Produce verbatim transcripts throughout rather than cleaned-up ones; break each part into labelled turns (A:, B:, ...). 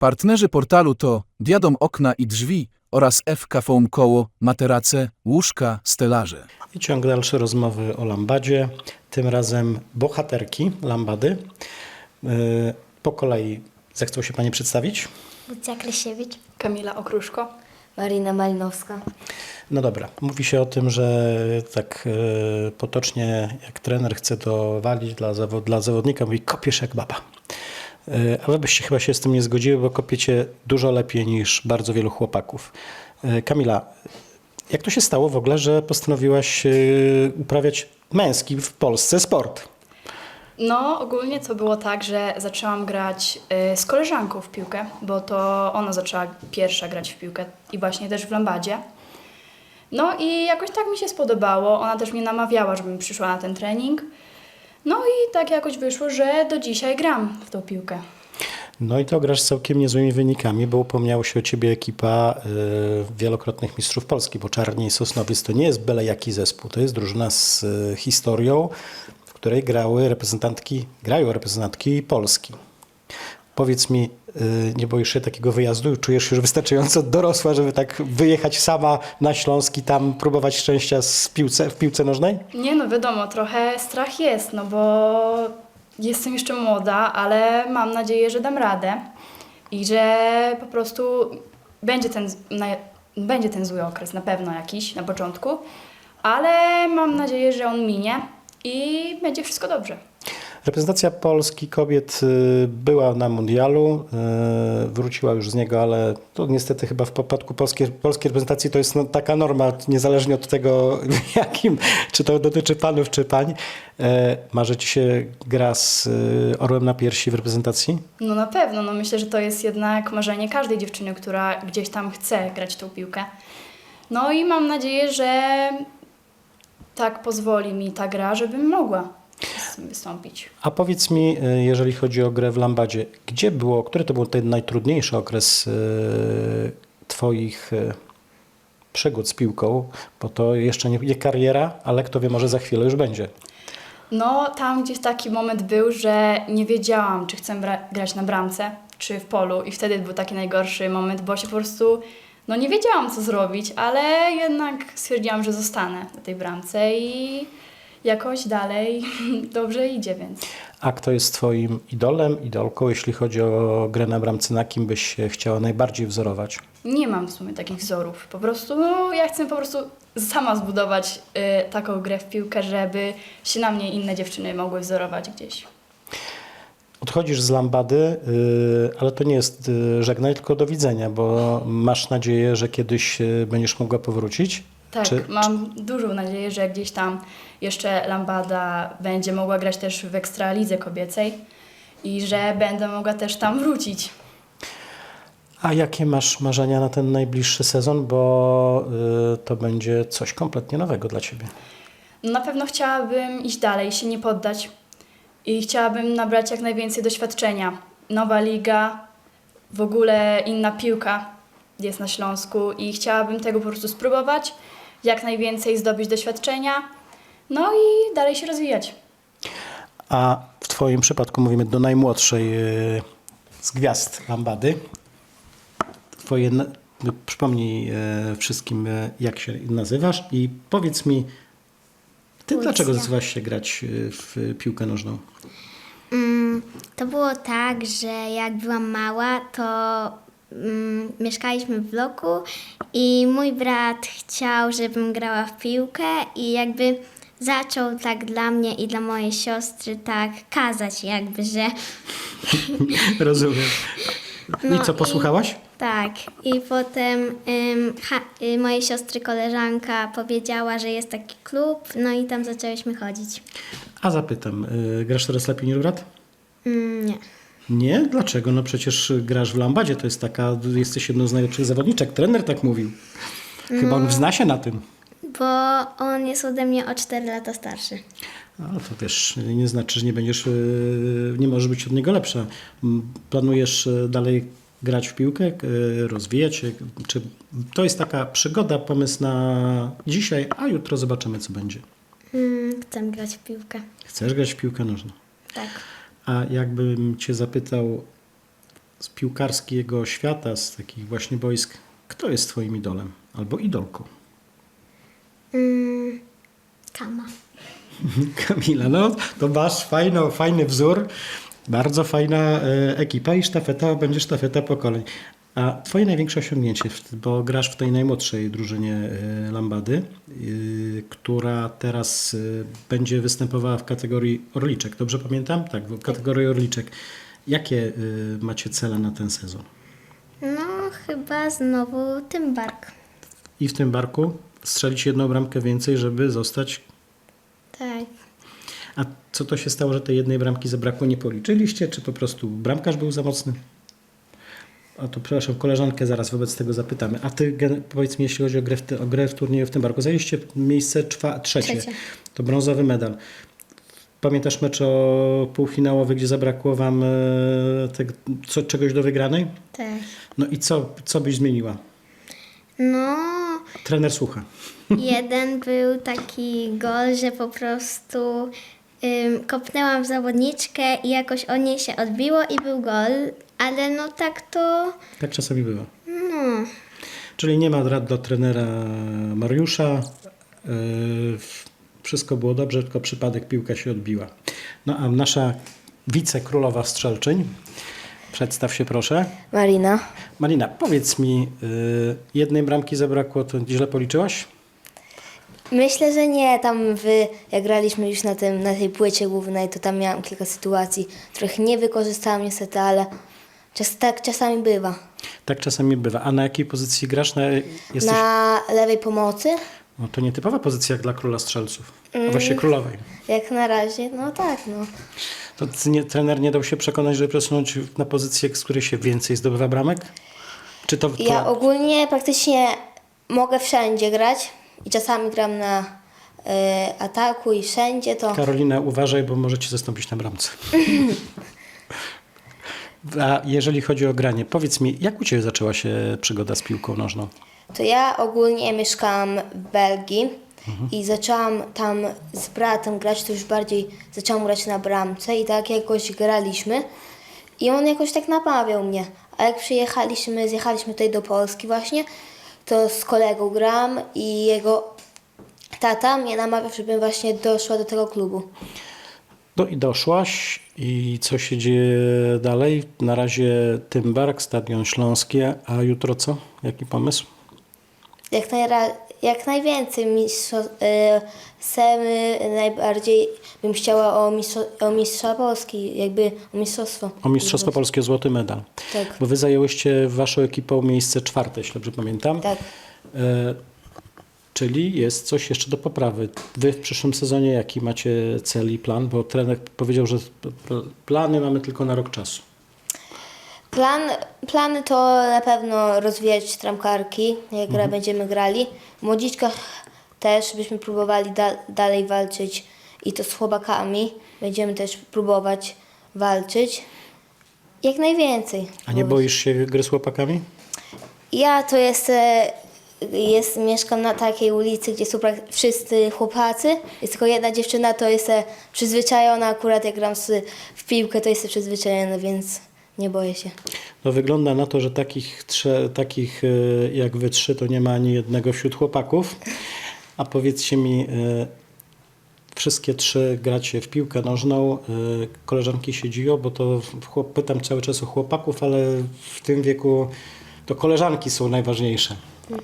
A: Partnerzy portalu to Diadom Okna i Drzwi oraz F K Foam Koło, materace, łóżka, stelaże.
B: I ciąg dalszy rozmowy o lambadzie. Tym razem bohaterki lambady. Yy, Po kolei zechcą się Pani przedstawić?
C: Lucja Kresiewicz.
D: Kamila Okruszko.
C: Marina Malinowska.
B: No dobra, mówi się o tym, że tak yy, potocznie jak trener chce dowalić dla, zawod, dla zawodnika, mówi kopiesz jak baba. Yy, ale byście chyba się z tym nie zgodziły, bo kopiecie dużo lepiej niż bardzo wielu chłopaków. Yy, Kamila, jak to się stało w ogóle, że postanowiłaś yy, uprawiać męski w Polsce sport?
D: No, ogólnie to było tak, że zaczęłam grać y, z koleżanką w piłkę, bo to ona zaczęła pierwsza grać w piłkę i właśnie też w lambadzie. No i jakoś tak mi się spodobało. Ona też mnie namawiała, żebym przyszła na ten trening. No i tak jakoś wyszło, że do dzisiaj gram w tą piłkę.
B: No i to grasz z całkiem niezłymi wynikami, bo upomniała się o ciebie ekipa y, wielokrotnych mistrzów Polski, bo Czarni i Sosnowiec to nie jest byle jaki zespół, to jest drużyna z y, historią, w której grały reprezentantki, grają reprezentantki Polski. Powiedz mi, y, nie boisz się takiego wyjazdu? Czujesz się już wystarczająco dorosła, żeby tak wyjechać sama na Śląsk i tam próbować szczęścia z piłce, w piłce nożnej?
D: Nie no, wiadomo, trochę strach jest, no bo jestem jeszcze młoda, ale mam nadzieję, że dam radę i że po prostu będzie ten, na, będzie ten zły okres na pewno jakiś na początku, ale mam nadzieję, że on minie i będzie wszystko dobrze.
B: Reprezentacja Polski kobiet y, była na mundialu, y, wróciła już z niego, ale to niestety chyba w przypadku polskiej, polskiej reprezentacji to jest no, taka norma, niezależnie od tego, jakim, czy to dotyczy panów, czy pań. Y, Marzy ci się gra z y, orłem na piersi w reprezentacji?
D: No na pewno, no myślę, że to jest jednak marzenie każdej dziewczyny, która gdzieś tam chce grać tą piłkę. No i mam nadzieję, że tak pozwoli mi ta gra, żebym mogła wystąpić.
B: A powiedz mi, y, jeżeli chodzi o grę w lambadzie, gdzie było, który to był ten najtrudniejszy okres y, twoich y, przygód z piłką, bo to jeszcze nie, nie kariera, ale kto wie, może za chwilę już będzie.
D: No tam gdzieś taki moment był, że nie wiedziałam, czy chcę bra- grać na bramce, czy w polu i wtedy był taki najgorszy moment, bo się po prostu, no nie wiedziałam co zrobić, ale jednak stwierdziłam, że zostanę na tej bramce i jakoś dalej dobrze idzie, więc.
B: A kto jest twoim idolem, idolką, jeśli chodzi o grę na bramce, na kim byś się chciała najbardziej wzorować?
D: Nie mam w sumie takich wzorów. Po prostu, no, ja chcę po prostu sama zbudować y, taką grę w piłkę, żeby się na mnie inne dziewczyny mogły wzorować gdzieś.
B: Odchodzisz z lambady, yy, ale to nie jest yy, żegnaj, tylko do widzenia, bo masz nadzieję, że kiedyś yy, będziesz mogła powrócić?
D: Tak,
B: Czy-
D: mam dużą nadzieję, że gdzieś tam jeszcze Lambada będzie mogła grać też w Ekstralidze kobiecej i że będę mogła też tam wrócić.
B: A jakie masz marzenia na ten najbliższy sezon, bo yy, to będzie coś kompletnie nowego dla ciebie?
D: No, na pewno chciałabym iść dalej, się nie poddać i chciałabym nabrać jak najwięcej doświadczenia. Nowa liga, w ogóle inna piłka jest na Śląsku i chciałabym tego po prostu spróbować, jak najwięcej zdobyć doświadczenia, no i dalej się rozwijać.
B: A w twoim przypadku mówimy do najmłodszej yy, z gwiazd lambady. Twoje, na- no, przypomnij yy, wszystkim, yy, jak się nazywasz i powiedz mi, ty
C: Lucja.
B: dlaczego zdecydowałaś się grać yy, w piłkę nożną?
C: Mm, to było tak, że jak byłam mała, to mm, mieszkaliśmy w bloku i mój brat chciał, żebym grała w piłkę i jakby zaczął tak dla mnie i dla mojej siostry tak kazać jakby, że
B: Rozumiem.
C: No
B: I co,
C: i-
B: posłuchałaś?
C: tak. I potem ym, ha, y, mojej siostry koleżanka powiedziała, że jest taki klub, no i tam zaczęłyśmy chodzić.
B: A zapytam, yy, grasz teraz lepiej niż brat?
C: Mm, nie.
B: Nie? Dlaczego? No przecież grasz w lambadzie, to jest taka, jesteś jedną z najlepszych zawodniczek. Trener tak mówił. Chyba on wzna się na tym.
C: Bo on jest ode mnie o cztery lata starszy.
B: No to wiesz, nie znaczy, że nie będziesz, yy, nie możesz być od niego lepsza. M, Planujesz yy, dalej grać w piłkę, yy, rozwijać się? Czy to jest taka przygoda, pomysł na dzisiaj, a jutro zobaczymy, co będzie?
C: Mm, chcę grać w piłkę.
B: Chcesz grać w piłkę nożną?
C: Tak.
B: A jakbym cię zapytał, z piłkarskiego świata, z takich właśnie boisk, kto jest twoim idolem albo idolką?
C: Mm, Kama.
B: Kamila, no to masz fajno, fajny wzór, bardzo fajna e, ekipa i sztafeta, będzie sztafeta pokoleń. A twoje największe osiągnięcie, w- bo grasz w tej najmłodszej drużynie e, Lambady, y, która teraz y, będzie występowała w kategorii Orliczek, dobrze pamiętam? Tak, w kategorii Orliczek. Jakie y, macie cele na ten sezon?
C: No, chyba znowu Tymbark.
B: I w tym barku strzelić jedną bramkę więcej, żeby zostać.
C: Tak.
B: A co to się stało, że tej jednej bramki zabrakło? Nie policzyliście? Czy po prostu bramkarz był za mocny? A to przepraszam, koleżankę zaraz wobec tego zapytamy. A ty gen- powiedz mi, jeśli chodzi o grę w, ty- o grę w turnieju w tym barku, zajęliście miejsce czwa- trzecie.
C: Trzecie.
B: To brązowy medal. Pamiętasz mecz o półfinałowy, gdzie zabrakło wam e, tego, co, czegoś do wygranej?
C: Tak.
B: No i co, co byś zmieniła?
C: No,
B: Trener słucha.
C: jeden był taki gol, że po prostu ym, kopnęłam w zawodniczkę i jakoś o niej się odbiło i był gol, ale no tak to,
B: Tak czasami bywa.
C: no,
B: Czyli nie ma rad do trenera Mariusza. Yy, Wszystko było dobrze, tylko przypadek piłka się odbiła. No a nasza wicekrólowa strzelczyń. Przedstaw się proszę.
E: Marina.
B: Marina, powiedz mi, yy, jednej bramki zabrakło, to źle policzyłaś?
E: Myślę, że nie. Tam wy, jak graliśmy już na, tym, na tej płycie głównej, to tam miałam kilka sytuacji, których nie wykorzystałam niestety, ale czas, tak czasami bywa.
B: Tak czasami bywa. A na jakiej pozycji grasz? Na, jesteś...
E: Na lewej pomocy,
B: No to nietypowa pozycja jak dla króla strzelców. A właściwie królowej.
E: jak na razie, no tak, no.
B: To ty nie, trener nie dał się przekonać, żeby przesunąć na pozycję, z której się więcej zdobywa bramek? Czy to... to...
E: Ja ogólnie praktycznie mogę wszędzie grać i czasami gram na y, ataku i wszędzie to...
B: Karolina, uważaj, bo może cię zastąpić na bramce. A jeżeli chodzi o granie, powiedz mi, jak u ciebie zaczęła się przygoda z piłką nożną?
E: To ja ogólnie mieszkałam w Belgii i zaczęłam tam z bratem grać, to już bardziej zaczęłam grać na bramce i tak jakoś graliśmy i on jakoś tak namawiał mnie. A jak przyjechaliśmy, zjechaliśmy tutaj do Polski właśnie, to z kolegą gram i jego tata mnie namawiał, żebym właśnie doszła do tego klubu.
B: No i doszłaś i co się dzieje dalej? Na razie Tymbark, Stadion Śląski, a jutro co? Jaki pomysł?
E: Jak, najra- jak najwięcej mistrzo- y, semy najbardziej bym chciała o, mistrzo- o mistrza Polski, jakby o mistrzostwo.
B: O Mistrzostwo Polskie Złoty Medal.
E: Tak.
B: Bo wy zajęłyście waszą ekipą miejsce czwarte, jeśli dobrze pamiętam.
E: Tak.
B: E, czyli jest coś jeszcze do poprawy. Wy w przyszłym sezonie jaki macie cel i plan? Bo trener powiedział, że p- p- plany mamy tylko na rok czasu.
E: Plan, plany to na pewno rozwijać tramkarki, jak gra będziemy grali. W młodziczkach też byśmy próbowali da, dalej walczyć i to z chłopakami. Będziemy też próbować walczyć. Jak najwięcej.
B: A nie boisz się gry z chłopakami?
E: Ja to jest, e, jest, mieszkam na takiej ulicy, gdzie są prak- wszyscy chłopacy. Jest tylko jedna dziewczyna, to jest e, przyzwyczajona. Akurat jak gram z, w piłkę, to jestem przyzwyczajona, więc nie boję się.
B: No wygląda na to, że takich, trze, takich e, jak wy trzy to nie ma ani jednego wśród chłopaków. A powiedzcie mi, e, wszystkie trzy gracie w piłkę nożną. E, koleżanki się dziwią, bo to w chłop, pytam cały czas o chłopaków, ale w tym wieku to koleżanki są najważniejsze.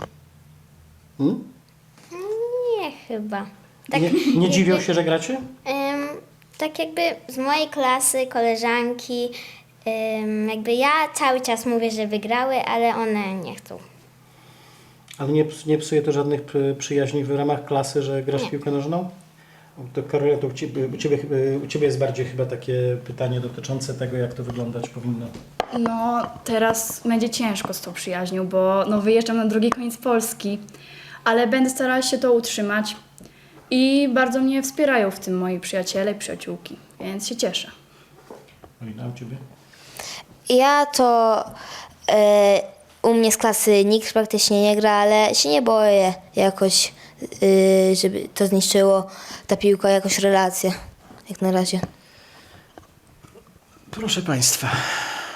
B: Hmm?
C: nie chyba. Tak,
B: Nie, nie dziwią się, że gracie?
C: Ym, tak jakby z mojej klasy koleżanki, ym, jakby ja cały czas mówię, że wygrały, ale one nie chcą.
B: Ale nie, ps- nie psuje to żadnych przy- przyjaźni w ramach klasy, że grasz w piłkę nożną? To Karolina, to u ciebie, u, ciebie, u Ciebie jest bardziej chyba takie pytanie dotyczące tego, jak to wyglądać powinno.
D: No, teraz będzie ciężko z tą przyjaźnią, bo no, wyjeżdżam na drugi koniec Polski, ale będę starała się to utrzymać i bardzo mnie wspierają w tym moi przyjaciele i przyjaciółki, więc się cieszę.
B: Karolina, u Ciebie?
E: Ja to e, u mnie z klasy nikt praktycznie nie gra, ale się nie boję jakoś, e, żeby to zniszczyło ta piłka jakoś relacje, jak na razie.
B: Proszę Państwa,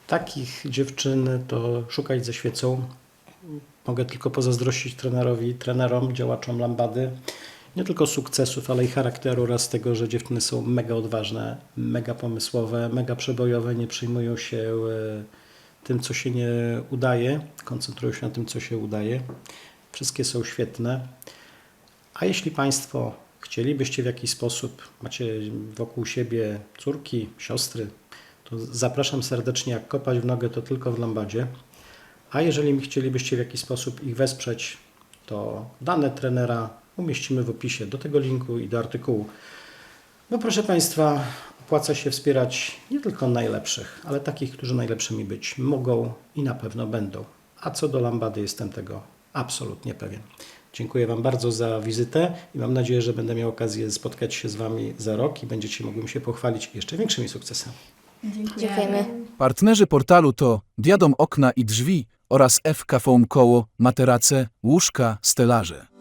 B: Takich dziewczyn to szukać ze świecą. Mogę tylko pozazdrościć trenerowi, trenerom, działaczom Lambady. Nie tylko sukcesów, ale i charakteru oraz tego, że dziewczyny są mega odważne, mega pomysłowe, mega przebojowe, nie przejmują się e, tym, co się nie udaje, koncentrują się na tym, co się udaje. Wszystkie są świetne. A jeśli Państwo chcielibyście w jakiś sposób, macie wokół siebie córki, siostry, to zapraszam serdecznie, jak kopać w nogę, to tylko w Lambadzie. A jeżeli chcielibyście w jakiś sposób ich wesprzeć, to dane trenera umieścimy w opisie do tego linku i do artykułu. Bo proszę Państwa, opłaca się wspierać nie tylko najlepszych, ale takich, którzy najlepszymi być mogą i na pewno będą. A co do Lambady, jestem tego absolutnie pewien. Dziękuję Wam bardzo za wizytę i mam nadzieję, że będę miał okazję spotkać się z Wami za rok i będziecie mogli mi się pochwalić jeszcze większymi sukcesami.
E: Dziękujemy.
A: Partnerzy portalu to Diadom Okna i Drzwi oraz F K Foam Koło, materace, łóżka, stelaże.